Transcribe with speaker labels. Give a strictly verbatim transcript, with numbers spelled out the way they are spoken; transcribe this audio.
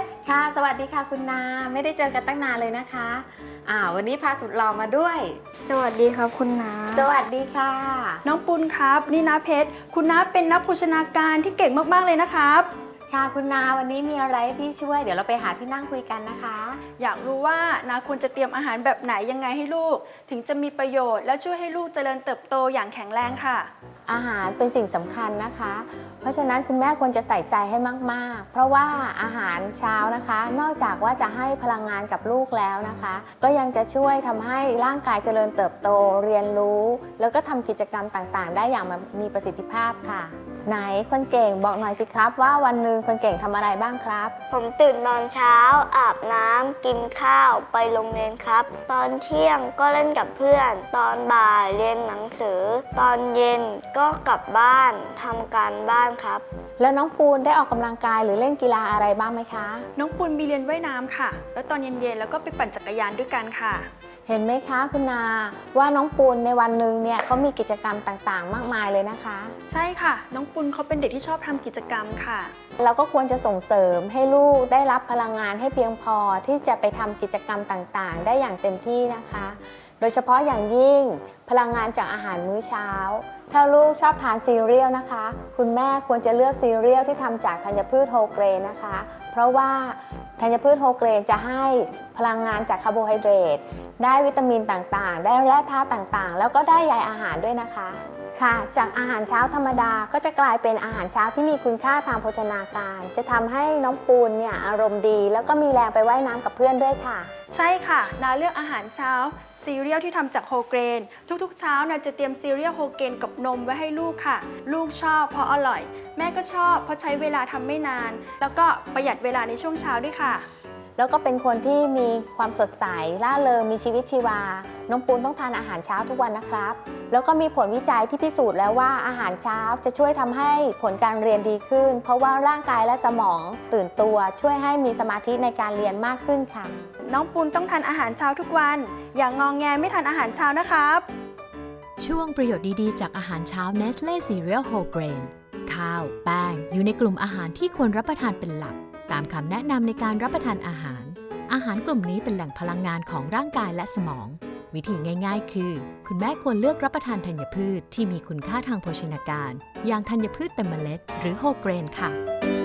Speaker 1: ค่ะสวัสดีค่ะคุณนาไม่ได้เจอกันตั้งนานเลยนะคะอ่าวันนี้พาสุดหล่อมาด้วย
Speaker 2: สวัสดีครับคุณน้า
Speaker 1: สวัสดีค่ะ
Speaker 3: น้องปุณครับนี่น้าเพชรคุณน้าเป็นนักโภชนาการที่เก่งมากๆเลยนะครับ
Speaker 1: ค่ะคุณนาวันนี้มีอะไรให้พี่ช่วยเดี๋ยวเราไปหาที่นั่งคุยกันนะคะ
Speaker 3: อยากรู้ว่าน้าควรจะเตรียมอาหารแบบไหนยังไงให้ลูกถึงจะมีประโยชน์และช่วยให้ลูกเจริญเติบโตอย่างแข็งแรงค่ะ
Speaker 1: อาหารเป็นสิ่งสำคัญนะคะ เพราะฉะนั้นคุณแม่ควรจะใส่ใจให้มากๆเพราะว่าอาหารเช้านะคะ นอกจากว่าจะให้พลังงานกับลูกแล้วนะคะ ก็ยังจะช่วยทำให้ร่างกายเจริญเติบโตเรียนรู้ แล้วก็ทำกิจกรรมต่างๆ ได้อย่างมีประสิทธิภาพค่ะไหนคนเก่งบอกหน่อยสิครับว่าวันหนึ่งคนเก่งทำอะไรบ้างครับ
Speaker 2: ผมตื่นตอนเช้าอาบน้ำกินข้าวไปโรงเรียนครับ ตอนเที่ยงก็เล่นกับเพื่อน ตอนบ่ายเรียนหนังสือ ตอนเย็นก็กลับบ้านทำการบ้านครับ
Speaker 1: แล้วน้องปูนได้ออกกำลังกายหรือเล่นกีฬาอะไรบ้างไหมคะ
Speaker 3: น้องปุณมีเรียนว่ายน้ำค่ะแล้วตอนเย็นๆแล้วก็ไปปั่นจักรยานด้วยกันค่ะ
Speaker 1: เห็นไหมคะคุณนาว่าน้องปูนในวันหนึ่งเนี่ยเขามีกิจกรรมต่างๆมากมายเลยนะคะ
Speaker 3: ใช่ค่ะน้องปุณเขาเป็นเด็กที่ชอบทำกิจกรรมค่ะ
Speaker 1: เราก็ควรจะส่งเสริมให้ลูกได้รับพลังงานให้เพียงพอที่จะไปทำกิจกรรมต่างๆได้อย่างเต็มที่นะคะโดยเฉพาะอย่างยิ่งพลังงานจากอาหารมื้อเช้าถ้าลูกชอบทานซีเรียลนะคะคุณแม่ควรจะเลือกซีเรียลที่ทำจากธัญพืชโฮลเกรนนะคะเพราะว่าธัญพืชโฮลเกรนจะให้พลังงานจากคาร์โบไฮเดรตได้วิตามินต่างๆได้แร่ธาตุต่างๆแล้วก็ได้ใยอาหารด้วยนะคะค่ะจากอาหารเช้าธรรมดาก็จะกลายเป็นอาหารเช้าที่มีคุณค่าทางโภชนาการจะทำให้น้องปูนเนี่ยอารมณ์ดีแล้วก็มีแรงไปว่ายน้ำกับเพื่อนด้วยค่ะ
Speaker 3: ใช่ค่ะนาเลือกอาหารเช้าซีเรียลที่ทำจากโฮลเกรนทุกๆเช้านาจะเตรียมซีเรียลโฮลเกรนกับนมไว้ให้ลูกค่ะลูกชอบเพราะอร่อยแม่ก็ชอบเพราะใช้เวลาทำไม่นานแล้วก็ประหยัดเวลาในช่วงเช้าด้วยค่ะ
Speaker 1: แล้วก็เป็นคนที่มีความสดใสร่าเริงมีชีวิตชีวาน้องปูนต้องทานอาหารเช้าทุกวันนะครับแล้วก็มีผลวิจัยที่พิสูจน์แล้วว่าอาหารเช้าจะช่วยทำให้ผลการเรียนดีขึ้นเพราะว่าร่างกายและสมองตื่นตัวช่วยให้มีสมาธิในการเรียนมากขึ้นค่ะ
Speaker 3: น้องปูนต้องทานอาหารเช้าทุกวันอย่างงองแงไม่ทานอาหารเช้านะครับ
Speaker 4: ช่วงประโยชน์ดีๆจากอาหารเช้า Nestle Cereal Whole Grain ข้าวแป้งอยู่ในกลุ่มอาหารที่ควรรับประทานเป็นหลักตามคำแนะนำในการรับประทานอาหาร อาหารกลุ่มนี้เป็นแหล่งพลังงานของร่างกายและสมอง วิธีง่ายๆ คือ คุณแม่ควรเลือกรับประทานธัญพืชที่มีคุณค่าทางโภชนาการ อย่างธัญพืชเต็มเมล็ดหรือโฮลเกรนค่ะ